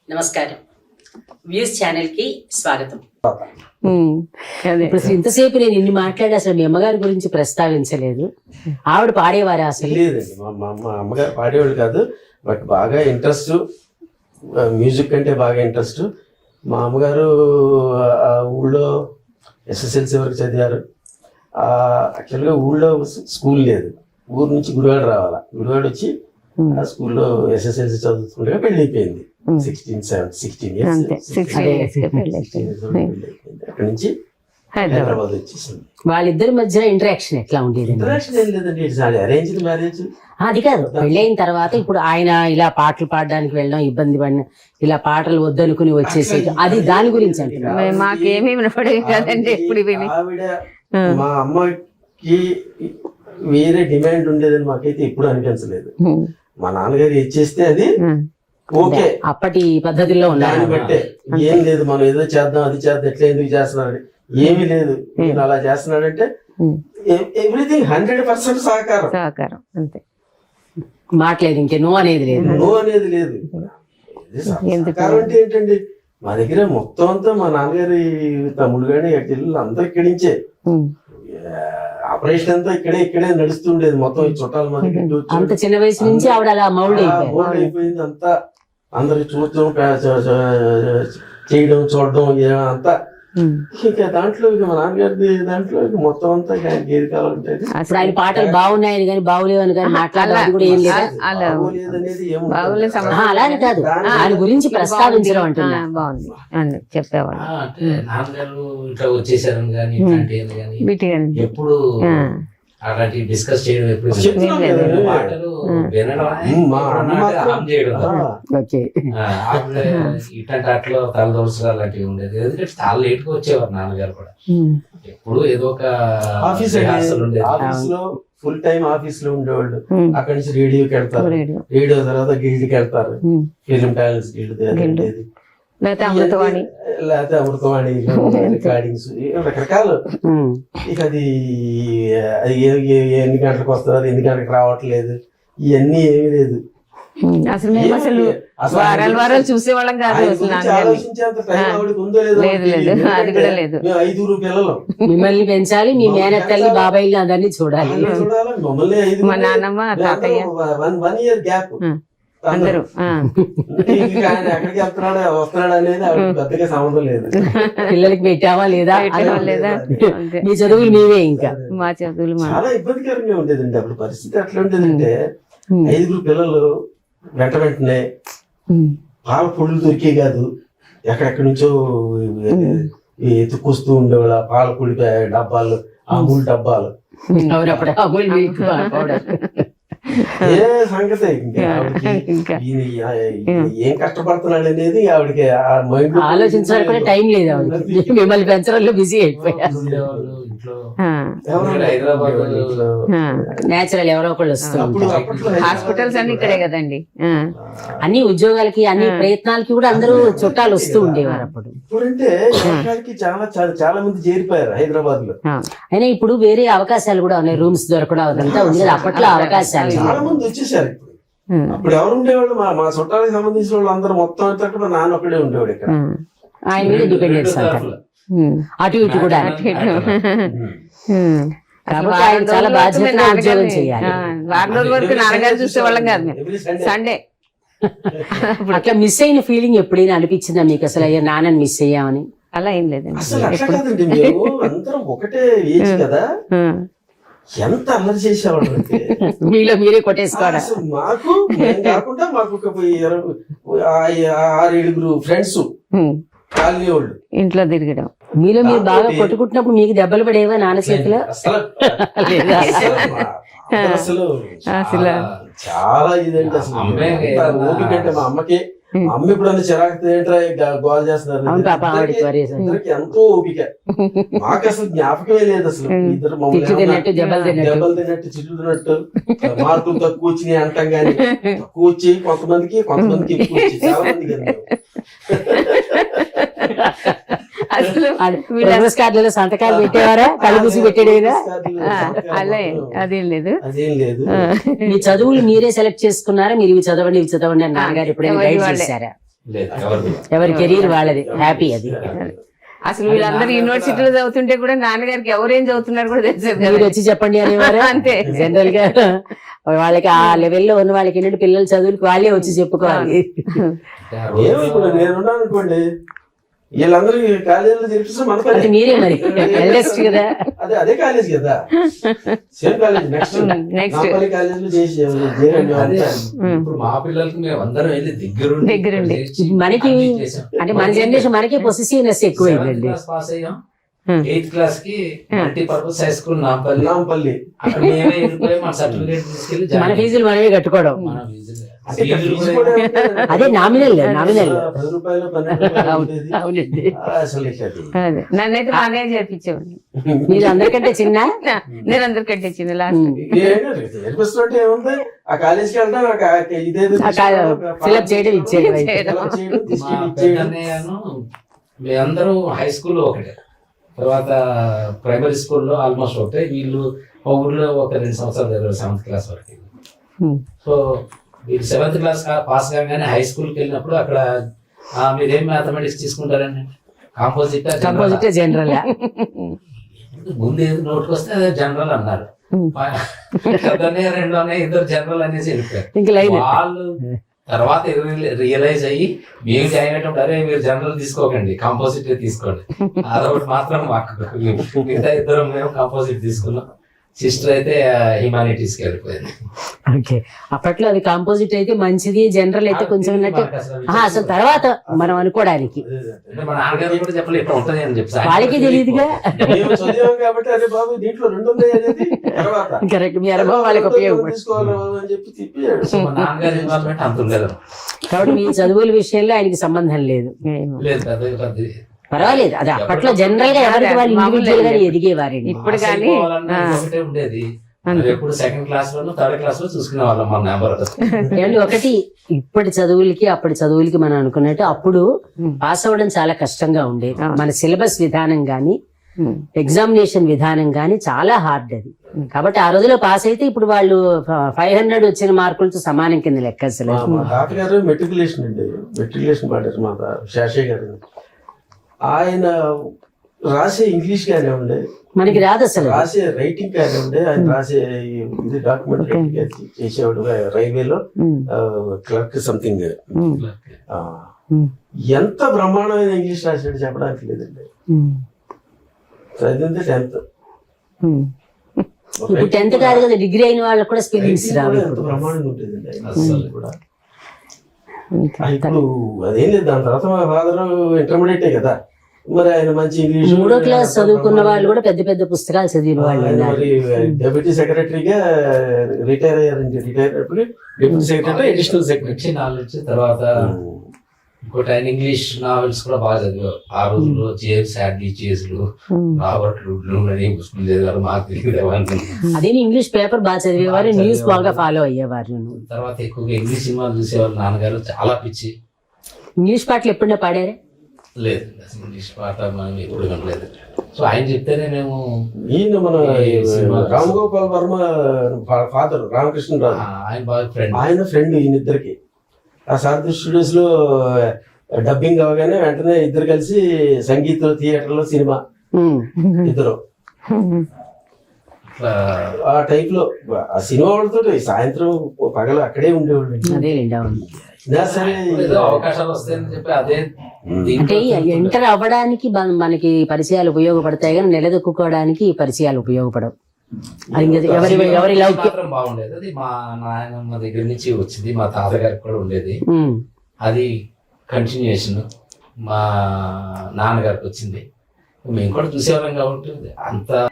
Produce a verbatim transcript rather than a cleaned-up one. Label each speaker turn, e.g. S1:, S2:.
S1: నమస్కారం. Views channel కి స్వాగతం.
S2: ఇప్పుడు ఇంతసేపు నేను ఇన్ని మాట్లాడి అసలు మీ అమ్మగారి గురించి ప్రస్తావించలేదు. ఆవిడ పాడేవారా అసలు?
S3: లేదండి, మా మా అమ్మగారు పాడేవాళ్ళు కాదు, బట్ బాగా ఇంట్రెస్ట్, మ్యూజిక్ అంటే బాగా ఇంట్రెస్ట్. మా అమ్మగారు ఆ ఊళ్ళో ఎస్ఎస్ఎల్సీ వరకు చదివారు. యాక్చువల్గా ఊళ్ళో స్కూల్ లేదు, ఊరు నుంచి గుడివాడ రావాలా. గుడివాడ వచ్చి ఆ స్కూల్లో ఎస్ఎస్ఎల్సీ చదువుతుండగా పెళ్లి అయిపోయింది. సిక్స్టీన్ సెవెన్ సిక్స్టీన్ ఇయర్స్ అక్కడి నుంచి హైదరాబాద్ వచ్చేసింది.
S2: వాళ్ళిద్దరి మధ్య ఇంటరాక్షన్ ఎట్లా ఉండేది?
S3: ఇంటరాక్షన్ ఏం లేదండి, ఇట్స్ అరేంజ్డ్ మ్యారేజ్.
S2: అది కాదు, పెళ్ళైన తర్వాత ఇప్పుడు ఆయన ఇలా పాటలు పాడడానికి వెళ్ళడం, ఇబ్బంది పడిన, ఇలా పాటలు వద్దనుకుని వచ్చేసి, అది దాని గురించి అంటే
S4: మాకేమీ వినపడేది కాదండి. ఎప్పుడు
S3: ఆవిడ మా అమ్మకి వేరే డిమాండ్ ఉండేదని మాకైతే ఎప్పుడు అనిపించలేదు. మా నాన్నగారు ఇచ్చేస్తే అది ఓకే,
S2: అప్పటి పద్ధతిలో
S3: దాన్ని బట్టే. ఏం లేదు, మనం ఏదో చేద్దాం, అది చేద్దాం, ఎట్లా ఎందుకు చేస్తున్నాడు, ఏమీ లేదు, నేను అలా చేస్తున్నాడంటే ఎవ్రీథింగ్ హండ్రెడ్ పర్సెంట్ సహకారం.
S4: సహకారం అంతే,
S2: మాట్లేదు, ఇంకే నో అనేది లేదు.
S3: నో అనేది లేదు. సహకారం అంటే ఏంటండి, మా దగ్గర మొత్తం అంతా మా నాన్నగారి తమ్ముడు గాని చెల్లెలు అందరూ ఇక్కడి నుంచే. ఆపరేషన్ అంతా ఇక్కడే ఇక్కడే నడుస్తుండేది. మొత్తం ఈ చుట్టాల మంది
S2: అంత చిన్న వయసు నుంచి ఆవిడ అలా మౌల్డ్
S3: అయిపోయింది. అంతా అందరికి చూడటం, చేయడం, చూడడం అంతా. ఇంకా దాంట్లో ఇక మా నాన్నగారి దాంట్లో ఇక మొత్తం అంతా ఏది కావాలంటే
S2: ఆయన పాటలు బాగున్నాయని కానీ బాగులేవని కానీ మాట్లాడాలి కూడా ఏం లేదు. అలానే కాదు, ఆయన గురించి ప్రస్తావించడం అంటున్నా.
S4: బాగుంది అని చెప్పేవాళ్ళు.
S5: నాన్నగారు ఇట్లా వచ్చేసారు కానీ ఇట్లాంటి కానీ ఎప్పుడు అలాంటి డిస్కస్ చేయడం, ఎప్పుడు పాటలు వినడం, ఇట్లాంటి అట్లా తలదోసలు అలాంటివి ఉండేది. ఎందుకంటే చాలా లేట్ గా వచ్చేవారు నాన్నగారు కూడా. ఎప్పుడు ఏదో ఒక
S3: ఆఫీస్ ఆఫీస్ లో ఫుల్ టైం ఆఫీస్ లో ఉండేవాళ్ళు. అక్కడి నుంచి రేడియోకి వెళ్తారు, రేడియో తర్వాత గిల్డ్కి వెళ్తారు, ఫిలిం టాలెంట్స్ గిల్డ్ ఉండేది,
S4: లేకపోతే అమృతవాణి
S3: లేకపోతే అమృతవాణి రికార్డింగ్స్ రకరకాలు. ఇక అది అది ఎన్ని గంటలకు వస్తుంది, అది ఎన్ని గంటలకు రావట్లేదు, ఇవన్నీ ఏమీ లేదు.
S4: అసలు మేము అసలు వారాలు వారాలు చూసేవాళ్ళం కాదు.
S3: ఆలోచించేంత టైం ఆవిడకి ఉందో లేదో
S4: అది కూడా లేదు.
S3: ఐదుగురు పిల్లలు,
S2: మిమ్మల్ని పెంచాలి, మీ మేనత్తల్ని బాబాయిల్ని అందరినీ చూడాలి.
S3: చూడాలి, మమ్మల్ని ఐదు,
S4: మా నాన్నమ్మ తాతయ్య,
S3: వన్ ఇయర్ గ్యాప్
S4: అందరూ.
S3: ఎక్కడికి వెళ్తున్నాడు వస్తున్నాడు అనేది ఆవిడకి పెద్దగా సంబంధం లేదు.
S2: పిల్లలకి పెట్టావా లేదా
S4: లేదా,
S2: మీ చదువులు మీవే. ఇంకా
S4: మా చదువులు
S3: చాలా ఇబ్బందికరంగా ఉండేదండి అప్పుడు పరిస్థితి. ఎట్లా ఉండేదంటే ఐదుగురు పిల్లలు వెంట వెంటనే పాల పొడులు దొరికే కాదు, ఎక్కడెక్కడి నుంచో ఎత్తుకొస్తూ ఉండేవాళ్ళ పాల పొడి డబ్బాలు, అమూల్ డబ్బాలు. ఏ సంగతి ఇంకా ఏం కష్టపడుతున్నాడు అనేది ఆవిడకి
S2: ఆలోచించడానికి కూడా టైం లేదు. ఆవిడకి మిమ్మల్ని పెంచడంలో బిజీ అయిపోయారు. నేచురల్ ఎవరో ఒకళ్ళు వస్తున్నారు.
S4: హాస్పిటల్స్ అన్ని ఇక్కడే కదండి.
S2: అన్ని ఉద్యోగాలకి, అన్ని ప్రయత్నాలకి కూడా అందరూ చుట్టాలు వస్తూ ఉండేవారు అప్పుడు.
S3: ఇప్పుడంటే చాలా చాలా మంది చేరిపోయారు హైదరాబాద్ లో.
S2: అయినా ఇప్పుడు వేరే అవకాశాలు కూడా ఉన్నాయి, రూమ్స్ దొరకడం అదంతా ఉంది. అప్పట్లో అవకాశాలు
S3: చాలా మంది వచ్చేసారు. ఇప్పుడు అప్పుడు ఎవరు ఉండేవాళ్ళు, మా మా చుట్టాలకు సంబంధించిన వాళ్ళు అందరూ మొత్తం అంతా మా నాన్న ఒక్కడే ఉండేవాడు ఇక్కడ.
S2: ఆయన మీద డిపెండెన్స్ అంటారు, అటు ఇటు కూడా. కాబట్టి ఆయన చాలా బాధ్యతగా ఉద్యోగం చేయాలి.
S4: వారం రోజుల వరకు నాన్నగారు చూసేవాళ్ళం కాదు మేము. సండే
S2: అట్లా మిస్ అయిన ఫీలింగ్ ఎప్పుడైనా అనిపించిందా మీకు? అసలు అయ్యా నాన్నని మిస్ అయ్యామని?
S4: అలా ఏం లేదండి.
S3: అసలు అట్లా కాదండి, మేము అందరం ఒకటే ఏజ్ కదా, ఎంత అల్లరి చేసేవాళ్ళు అంటే
S2: మీలో మీరే కొట్టేసుకోవడం.
S3: మాకు కాకుండా మాకు ఒక ఆరు ఏడుగురు ఫ్రెండ్స్ కాలనీ వాళ్ళు
S4: ఇంట్లో తిరగడం.
S2: మీలో మీరు బాగా కొట్టుకుంటున్నప్పుడు మీకు దెబ్బలు పడేవా నాన్న చేతిలో?
S3: అసలు అసలు చాలా ఇదండి. అసలు ఓపిక అంటే మా అమ్మకి, అమ్మ ఇప్పుడు అన్ని చిరాకు గోల్ చేస్తున్నారు, ఎంతో ఓపిక. మాకు అసలు జ్ఞాపకమే లేదు అసలు. ఇద్దరు మమ్మల్ని దెబ్బలు తిన్నట్టు, చిల్లు తిన్నట్టు, మార్కులు తక్కువ వచ్చినాయి అంటాం గానీ తక్కువ వచ్చి కొంతమందికి, కొంతమందికి ఎక్కువ వచ్చి చాలా మందికి.
S2: ప్రోగ్రెస్ కార్డులలో సంతకాలు పెట్టేవారా? కళ్ళు మూసి పెట్టేదేనా?
S4: అలా అదేం లేదు.
S2: మీ చదువులు మీరే సెలెక్ట్ చేసుకున్నారా? మీరు ఇవి చదవండి ఇవి చదవండి అని నాన్నగారు ఎప్పుడైనా గైడ్ చేశారా?
S5: లేదు ఎవరిది.
S2: ఎవరి కెరీర్ వాళ్ళది, హ్యాపీ అది.
S4: అసలు వీళ్ళందరూ యూనివర్సిటీలో చదువుతుంటే కూడా నాన్నగారికి ఎవరేం చదువుతున్నారు కూడా తెలిసేది
S2: మీరు
S4: కదా.
S2: వచ్చి చెప్పండి అనేవారు.
S4: అంతే.
S2: జనరల్ గా వాళ్ళకి ఆ లెవెల్లో ఉన్న వాళ్ళకి ఏంటంటే పిల్లల చదువులకు వాళ్ళే వచ్చి చెప్పుకోవాలి.
S5: అంటే ఆ రోజు
S3: ఏమో ఇప్పుడు నేనున్నాను అనుకోండి, వీళ్ళందరూ కాలేజీలో చేర్పిస్తే మన
S2: అంటే
S3: పని.
S2: మీరే మరి ఎల్డెస్ట్ కదా.
S3: అదే అదే కాలేజ్ కదా, same college. Next
S4: next
S3: Nampally కాలేజీలో చేసి చేరండి.
S5: అదే ఇప్పుడు మా పిల్లలకి మేము అందరం వెళ్ళి దగ్గరుండి
S4: దగ్గరుండి.
S5: చేర్చి
S2: మనకి
S5: అన్ని చేసాం.
S2: అంటే మన జనరేషన్ మనకి పొసెసివ్నెస్ ఎక్కువైందండి.
S5: సెవెంత్ క్లాస్ పాస్ అయ్యాం, ఎయిత్ క్లాస్ కి multipurpose high school Nampally.
S3: Nampally
S5: అక్కడ మేమే వెళ్ళిపోయి మన సర్టిఫికేట్ తీసుకెళ్లి
S2: మన
S5: జాయిన్
S2: ఫీజులు మనమే కట్టుకోవడం.
S5: మన ఫీజులు.
S3: అంటే ఇక్కడ
S5: ఫీజులు
S3: ఫీజు
S5: కూడా
S3: కూడా ఏమంటారు?
S2: అదే నామినల్ నామినల్.
S3: పది రూపాయలు పన్నెండు రూపాయలు ఉండేది.
S2: అవునండి.
S3: అసలు ఇక అది.
S4: అదే నన్నైతే మా అన్నయ్య చేర్పించేవాడిని.
S2: మీరు అందరికంటే చిన్న.
S4: నేను అందరికంటే చిన్న లాస్ట్.
S3: ఏంటంటే చేర్పిస్తుంటే ఏముంది, ఆ కాలేజీకి వెళ్ళడం, ఆ కా- ఇదేదో
S2: ఫిల్అప్ చేయడం ఇచ్చేయడం.
S4: చేయడం.
S3: fill up చేయడం,
S5: మా
S3: తీసుకెళ్ళి ఇచ్చేయడం.
S5: పెద్దన్నయ్యను మేమందరం హై స్కూల్లో ఒకటే, తర్వాత ప్రైమరీ స్కూల్లో ఆల్మోస్ట్ ఒకటే. వీళ్ళు మా ఊర్లో ఒక రెండు సంవత్సరాలు చదివారు సెవెంత్ క్లాస్ వరకు. సో వీళ్ళు సెవెంత్ క్లాస్ పాస్ కాగానే హై స్కూల్కి వెళ్ళినప్పుడు అక్కడ "ఆ, మీరేం మ్యాథమెటిక్స్ తీసుకుంటారండి, కాంపోజిట్
S2: కంపోజిట్ జనరల్.
S5: ముందు ఏది నోటికి వస్తే అదే జనరల్ అన్నారు. పెద్దనే రెండోనే ఇద్దరు జనరల్ అనేసి వెళ్ళిపోయారు.
S2: ఇంక లైన్.
S5: వాళ్ళు తర్వాత రియలైజ్ అయ్యి మేము జాయిన్ అయ్యేటప్పుడు అరే మీరు జనరల్ తీసుకోకండి, కాంపోజిట్ తీసుకోండి. అదొకటి మాత్రం మాకు, మిగతా ఇద్దరం మేము కాంపోజిట్ తీసుకున్నాం. సిస్టర్ అయితే హ్యుమానిటీస్ కి వెళ్ళిపోయింది.
S2: ఓకే. అప్పట్లో అది కాంపోజిట్ అయితే మంచిది, జనరల్ అయితే కొంచెం ఉన్నట్టు.
S5: మాకు అసలు
S2: ఆహా, అసలు తర్వాత మనం అనుకోవడానికి
S5: అంటే మా నాన్నగారు కూడా చెప్పలేదు ఇట్లా ఉంటది అని చెప్పి.
S2: వాళ్ళకి తెలియదుగా.
S3: మేము చదివాం కాబట్టి అరే బాబు దీంట్లో రెండు ఉన్నాయి అనేది తర్వాత
S2: కరెక్ట్. మీ అనుభవం వాళ్ళకి ఉపయోగపడుతుంది.
S3: తీసుకోవాలి బాబు అని చెప్పి తిప్పాడు.
S5: సో మా నాన్నగారి ఇన్వాల్వ్మెంట్ అంత ఉండలేదు.
S2: కాబట్టి మీ చదువుల విషయంలో ఆయనకి సంబంధం లేదు.
S5: లేదు పెద్ద పెద్ద
S2: పర్వాలేదు. అది అప్పట్లో జనరల్ గా ఎవరికి వాళ్ళు ఇండివిజువల్ గా ఎదిగేవారండి.
S4: ఇప్పుడు కానీ ఆ.
S5: ఒకటే ఉండేది. మరి ఎప్పుడు సెకండ్ క్లాస్ లోను థర్డ్ క్లాస్ లో చూసుకునే వాళ్ళం మన నెంబర్.
S2: ఏమండి ఒకటి, ఇప్పటి చదువులకి అప్పటి చదువులకి మనం అనుకున్నట్టు అప్పుడు పాస్ అవ్వడం చాలా కష్టంగా ఉండేది. మన సిలబస్ విధానం గాని ఎగ్జామినేషన్ విధానం గాని చాలా హార్డ్ అది. కాబట్టి ఆ రోజులో పాస్ అయితే ఇప్పుడు వాళ్ళు ఫైవ్ హండ్రెడ్ వచ్చిన మార్కులతో సమానం కింద లెక్క అసలు.
S3: మా- మా తాతగారు మెట్రికులేషన్ అండి, మెట్రికులేషన్ పాడారు మా తా- శాషయ్య గారు. ఆయన రాసే ఇంగ్లీష్ గానే ఉండే,
S2: మనకి రాదు అసలు.
S3: రాసే రైటింగ్ గానే ఉండే. ఆయన రాసే ఈ- ఇది డాక్యుమెంట్ రైటింగ్ చేసేవాడు రైల్వేలో, క్లర్క్ సంథింగ్. ఎంత బ్రహ్మాండమైన ఇంగ్లీష్ రాసాడు చెప్పడానికి లేదండి. చదివింది టెన్త్.
S2: ఇప్పుడు టెన్త్ కాదు కదా, డిగ్రీ అయిన వాళ్ళకి కూడా స్పెల్లింగ్స్ రావు.
S3: ఎంత బ్రహ్మాండంగా ఉంటుందండి ఆయన
S5: అసలు.
S3: రాసేది కూడా. ఆ, ఇప్పుడు అదేం లేదు, దాని తర్వాత మా ఫాదర్ ఇంటర్మీడియటే కదా, మరి ఆయన మంచి ఇంగ్లీష్.
S2: మూడో క్లాస్ చదువుకున్న వాళ్ళు కూడా పెద్ద పెద్ద పుస్తకాలు చదివిన వాళ్ళు
S3: ఆయన
S2: ఉన్నారు.
S3: మరి డెప్యూటీ సెక్రటరీగా రిటైర్ అయ్యారండి. రిటైర్ అయినప్పుడు డిప్యూటీ సెక్రటరీ, అడిషనల్ సెక్రటరీ.
S5: వచ్చి నాలెడ్జ్ తర్వాత ఇంకోటి ఆయన ఇంగ్లీష్ నావెల్స్ కూడా బాగా చదివారు. ఆ రోజుల్లో జేమ్స్ హ్యాడ్లీ చేజ్లు, రాబర్ట్ లుడ్లు అని పుస్తకం చదివారు. మాకు తెలియదు అవన్నీ.
S2: అదే ఇంగ్లీష్ పేపర్ బాగా చదివేవారు, న్యూస్ బాగా ఫాలో అయ్యేవారు.
S5: తర్వాత ఎక్కువగా ఇంగ్లీష్ సినిమాలు చూసేవాళ్ళు. నాన్నగారు చాలా పిచ్చి.
S2: ఇంగ్లీష్ పాటలు ఎప్పుడైనా పాడారా?
S5: లేదు అసలు ఇంగ్లీష్ పాట మనం ఎప్పుడు వినలేదు. సో ఆయన చెప్తేనే మేము
S3: ఈయన మన
S5: ఈ సినిమా-
S3: రామ్ గోపాల్ వర్మ ఫాదర్ రామకృష్ణ
S5: ఆ,
S3: రాజు,
S5: ఆయన బాగా ఫ్రెండ్.
S3: ఆయన ఫ్రెండ్ ఈయన ఇద్దరికి. ఆ సారథి స్టూడియోస్ లో డబ్బింగ్ అవగానే వెంటనే ఇద్దరు కలిసి సంగీత థియేటర్ లో సినిమా ఇద్దరు.
S5: అట్లా
S3: ఆ టైప్ లో ఆ సినిమా వాళ్ళతో సాయంత్రం పగలు అక్కడే ఉండేవాళ్ళు.
S2: అదే అవును.
S3: అయినా సరే
S5: ఏదో అవకాశాలు వస్తాయని చెప్పి అదే
S2: అంటే ఎంటర్ అవ్వడానికి మన- మనకి పరిచయాలు ఉపయోగపడతాయి కానీ నిలదొక్కుకోవడానికి ఈ పరిచయాలు ఉపయోగపడవు. అది ఇంకా ఎవరి ఎవరి లౌక్యం.
S5: మాత్రం బాగుండేది. అది మా నాయనమ్మ దగ్గర నుంచి వచ్చింది, మా తాతగారికి కూడా ఉండేది.
S2: ఉమ్.
S5: అది కంటిన్యూషన్ మా నాన్నగారికి వచ్చింది. మేము కూడా చూసేవాళ్ళం కాబట్టి అంత